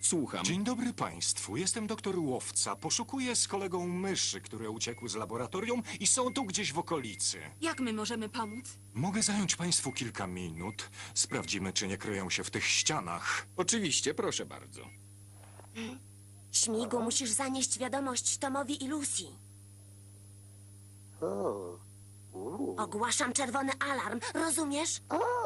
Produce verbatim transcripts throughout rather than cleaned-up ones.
Słucham. Dzień dobry państwu, jestem doktor Łowca. Poszukuję z kolegą myszy, które uciekły z laboratorium i są tu gdzieś w okolicy. Jak my możemy pomóc? Mogę zająć państwu kilka minut. Sprawdzimy, czy nie kryją się w tych ścianach. Oczywiście, proszę bardzo. Śmigu, musisz zanieść wiadomość Tomowi i Lucy. Ogłaszam czerwony alarm, rozumiesz?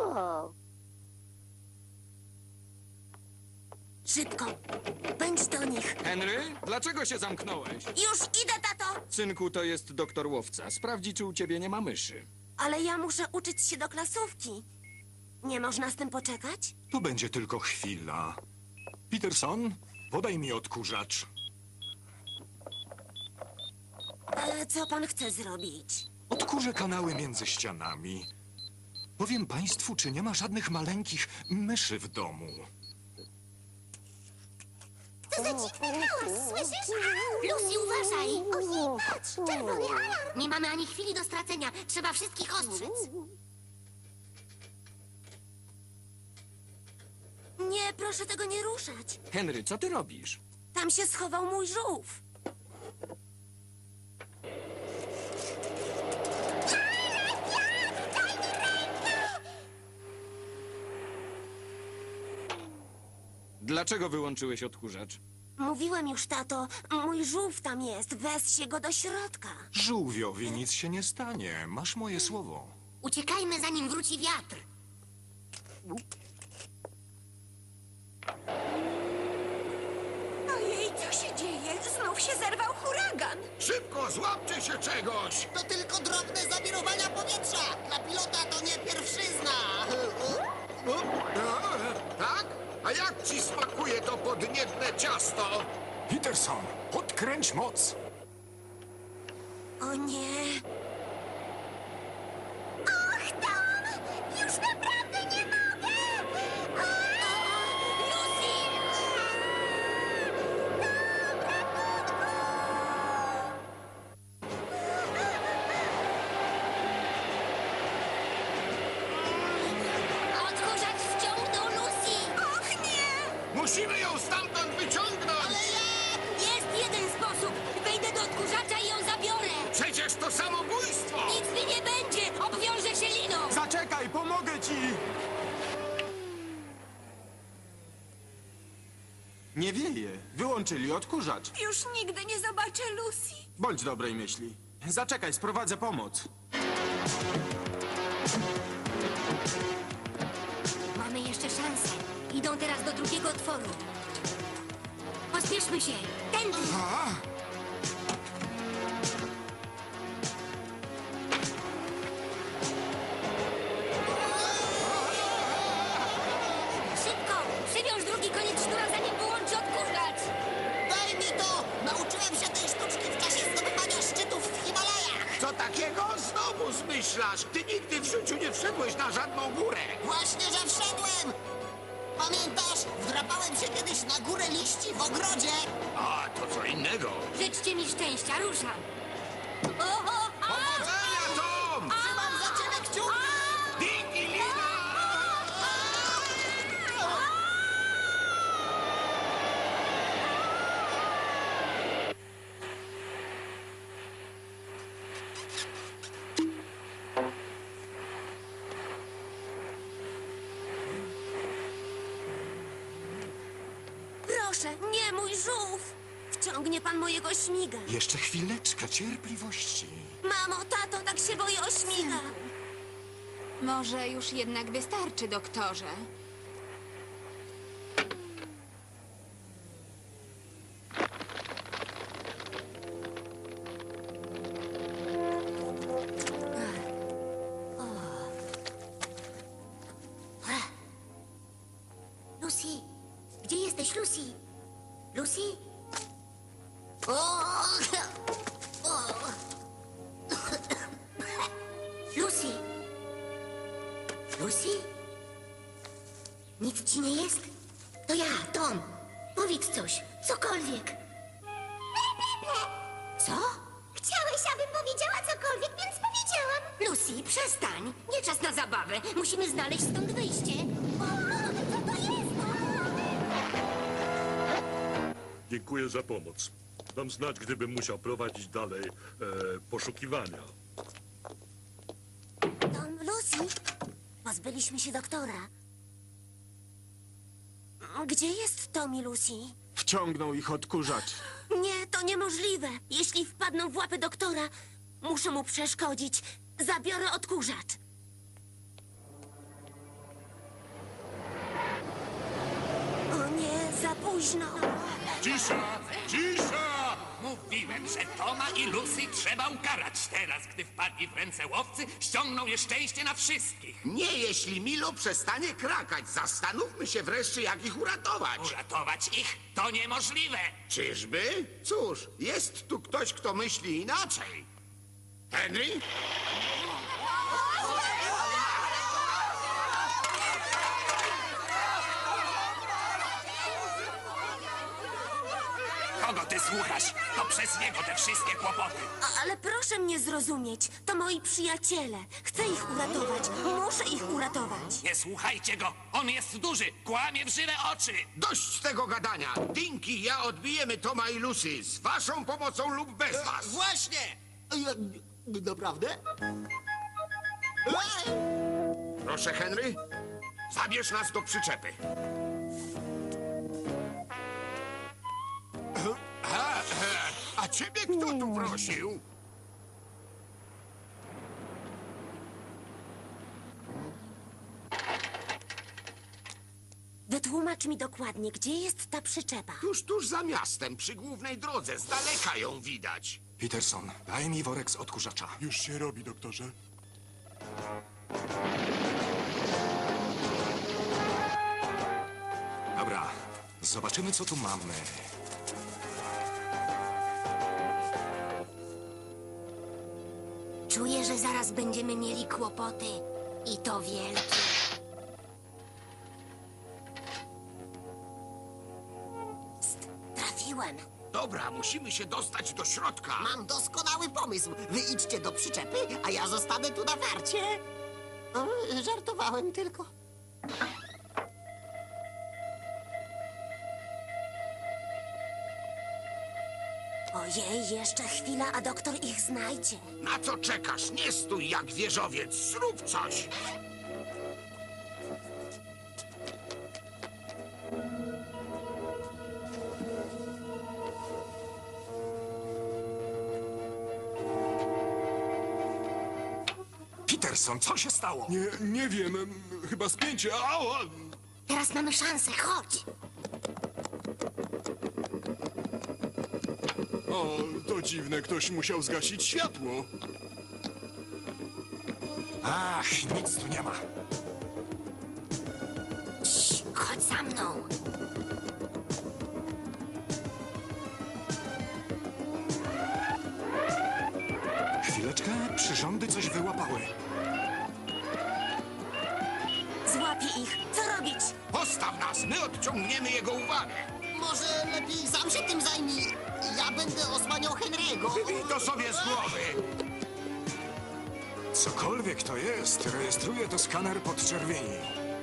Szybko, pędź do nich. Henry, dlaczego się zamknąłeś? Już idę, tato! Synku, to jest doktor Łowca. Sprawdzi, czy u ciebie nie ma myszy. Ale ja muszę uczyć się do klasówki. Nie można z tym poczekać? To będzie tylko chwila. Peterson, podaj mi odkurzacz. E, co pan chce zrobić? Odkurzę kanały między ścianami. Powiem państwu, czy nie ma żadnych maleńkich myszy w domu. To za dziwny hałas, słyszysz? Lucy, uważaj! Ojej, patrz, czerwony alarm! Nie mamy ani chwili do stracenia. Trzeba wszystkich ostrzec. Nie, proszę tego nie ruszać. Henry, co ty robisz? Tam się schował mój żółw. Dlaczego wyłączyłeś odkurzacz? Mówiłem już, tato, mój żółw tam jest. Weź się go do środka. Żółwiowi nic się nie stanie. Masz moje słowo. Uciekajmy, zanim wróci wiatr. Ojej, co się dzieje? Znów się zerwał huragan. Szybko, złapcie się czegoś! To tylko drobne zawirowania powietrza. Dla pilota to nie pierwszyzna. Tak? A jak ci smakuje to podniebne ciasto? Peterson, podkręć moc. O nie. Och, Tom! Już naprawdę nie mogę! Lucy! Odkurzacz ściągnął Lucy! Och, nie! Musimy ją stamtąd wyciągnąć! Jest jeden sposób! Wejdę do odkurzacza i ją zabiorę! Przecież to samobójstwo! Nic mi nie będzie! Obwiążę się liną! Zaczekaj, pomogę ci! Nie wieje. Wyłączyli odkurzacz. Już nigdy nie zobaczę Lucy. Bądź dobrej myśli. Zaczekaj, sprowadzę pomoc. Mamy jeszcze szansę. Idą teraz do drugiego otworu. Pospieszmy się! Tędy! Szybko! Przywiąż drugi koniec sznura, zanim wyłączy odkurzacz! Daj mi to! Nauczyłem się tej sztuczki w czasie zdobywania szczytów w Himalajach. Co takiego? Znowu zmyślasz! Ty nigdy w życiu nie wszedłeś na żadną górę! Właśnie, że wszedłem! Pamiętasz? Wdrapałem się kiedyś na górę liści w ogrodzie. A, to co innego! Życzcie mi szczęścia, ruszam! Oho! A! Powodzenia, Tom! Trzymam za ciebie kciuki! Digi Lina! Proszę, nie mój żółw! Wciągnie pan mojego śmiga. Jeszcze chwileczkę cierpliwości. Mamo, tato, tak się boję o śmiga. Może już jednak wystarczy, doktorze. Lucy! Gdzie jesteś, Lucy? Lucy? O! O! Lucy! Lucy? Nic ci nie jest? To ja, Tom. Powiedz coś, cokolwiek. Co? Chciałeś, abym powiedziała cokolwiek, więc powiedziałam. Lucy, przestań. Nie czas na zabawę. Musimy znaleźć stąd wyjście. O, co to jest? Dziękuję za pomoc. Dam znać, gdybym musiał prowadzić dalej e, poszukiwania. Tom, Lucy, pozbyliśmy się doktora. Gdzie jest Tom i Lucy? Wciągnął ich odkurzacz. Nie, to niemożliwe. Jeśli wpadną w łapy doktora, muszę mu przeszkodzić. Zabiorę odkurzacz. O nie, za późno. Cisza! Cisza! Mówiłem, że Toma i Lucy trzeba ukarać. Teraz, gdy wpadli w ręce łowcy, ściągną nieszczęście na wszystkich. Nie, jeśli Milo przestanie krakać. Zastanówmy się wreszcie, jak ich uratować. Uratować ich to niemożliwe. Czyżby? Cóż, jest tu ktoś, kto myśli inaczej. Henry? Kogo ty słuchasz? To przez niego te wszystkie kłopoty. A, ale proszę mnie zrozumieć. To moi przyjaciele. Chcę ich uratować. Muszę ich uratować. Nie słuchajcie go. On jest duży. Kłamie w żywe oczy. Dość tego gadania. Dinky i ja odbijemy Toma i Lucy. Z waszą pomocą lub bez was. Właśnie! Ja, naprawdę? Proszę, Henry, zabierz nas do przyczepy. A, a ciebie kto tu prosił? Wytłumacz mi dokładnie, gdzie jest ta przyczepa. Tuż, tuż za miastem, przy głównej drodze. Z daleka ją widać. Peterson, daj mi worek z odkurzacza. Już się robi, doktorze. Dobra, zobaczymy, co tu mamy. Czuję, że zaraz będziemy mieli kłopoty. I to wielkie. Psst, trafiłem. Dobra, musimy się dostać do środka. Mam doskonały pomysł. Wy idźcie do przyczepy, a ja zostanę tu na warcie. O, żartowałem tylko. Ojej, jeszcze chwila, a doktor ich znajdzie. Na co czekasz? Nie stój jak wieżowiec. Zrób coś. Peterson, co się stało? Nie, nie wiem. Chyba spięcie. Ała! Teraz mamy szansę, chodź. O, to dziwne. Ktoś musiał zgasić światło. Ach, nic tu nie ma. Cii, chodź za mną. Chwileczkę, przyrządy coś wyłapały. Złapię ich. Co robić? Postaw nas, my odciągniemy jego uwagę. Może lepiej sam się tym zajmij. Ja będę osłaniał Henry'ego. Wybij to sobie z głowy. Cokolwiek to jest, rejestruje to skaner podczerwieni.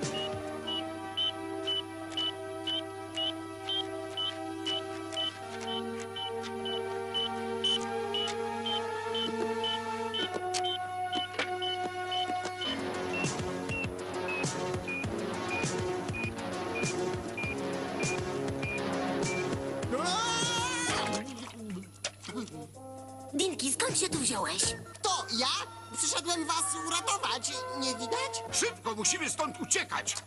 Dinky, skąd się tu wziąłeś? To ja? Przyszedłem was uratować. Nie widać? Szybko, musimy stąd uciekać.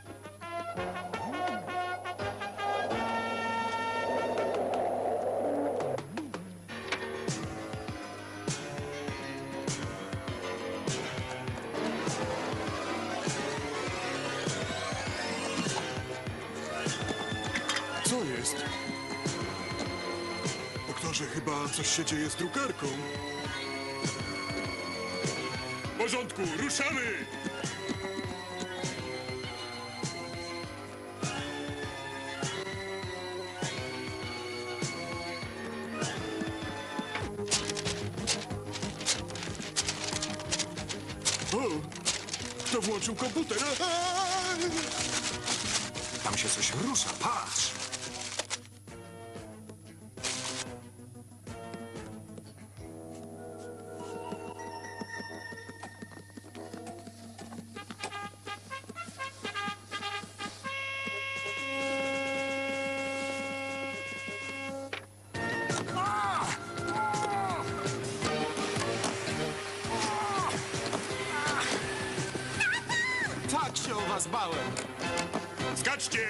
Co jest? Doktorze, chyba coś się dzieje z drukarką. W porządku, ruszamy! O! Kto włączył komputer? Aaaa! Tam się coś rusza, patrz. was bałem. Skaczcie!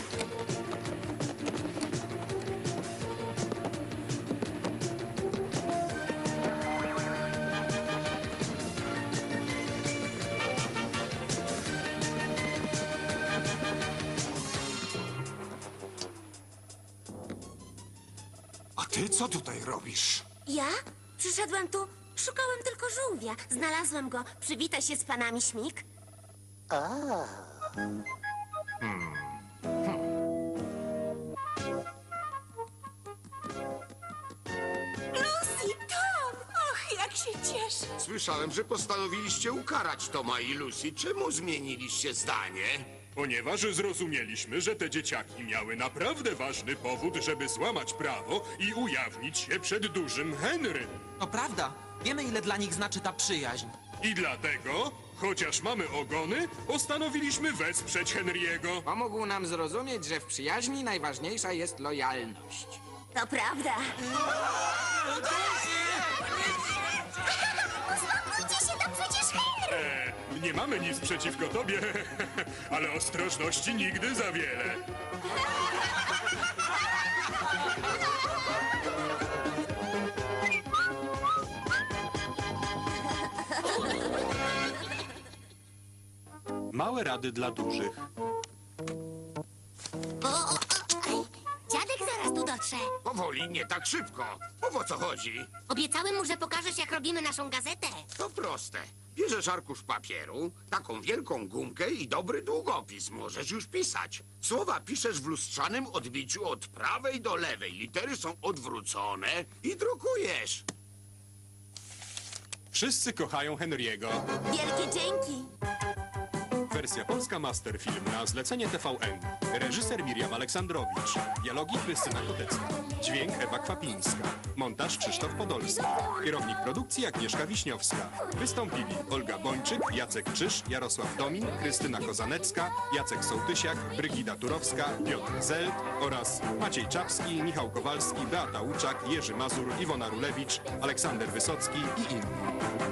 A ty co tutaj robisz? Ja? Przyszedłem tu, szukałem tylko żółwia. Znalazłem go. Przywitaj się z panami, Śmig. Lucy, Tom! Och, jak się cieszę! Słyszałem, że postanowiliście ukarać Toma i Lucy. Czemu zmieniliście zdanie? Ponieważ zrozumieliśmy, że te dzieciaki miały naprawdę ważny powód, żeby złamać prawo i ujawnić się przed dużym Henrym. To prawda. Wiemy, ile dla nich znaczy ta przyjaźń. I dlatego, chociaż mamy ogony, postanowiliśmy wesprzeć Henry'ego. Pomógł nam zrozumieć, że w przyjaźni najważniejsza jest lojalność. To prawda. Uspokójcie się, to przecież Henry! E, nie mamy nic przeciwko tobie, ale ostrożności nigdy za wiele. Małe rady dla dużych. O, o, o, ej, dziadek zaraz tu dotrze. Powoli, nie tak szybko. Mów, o co chodzi? Obiecałem mu, że pokażesz, jak robimy naszą gazetę. To proste. Bierzesz arkusz papieru, taką wielką gumkę i dobry długopis. Możesz już pisać. Słowa piszesz w lustrzanym odbiciu od prawej do lewej. Litery są odwrócone i drukujesz. Wszyscy kochają Henry'ego. Wielkie dzięki. Wersja polska Masterfilm na zlecenie T V N. Reżyser Miriam Aleksandrowicz. Dialogi Krystyna Kotecka. Dźwięk Ewa Kwapińska. Montaż Krzysztof Podolski. Kierownik produkcji Agnieszka Wiśniowska. Wystąpili Olga Bończyk, Jacek Czyż, Jarosław Domin, Krystyna Kozanecka, Jacek Sołtysiak, Brygida Turowska, Piotr Zelt oraz Maciej Czapski, Michał Kowalski, Beata Łuczak, Jerzy Mazur, Iwona Rulewicz, Aleksander Wysocki i inni.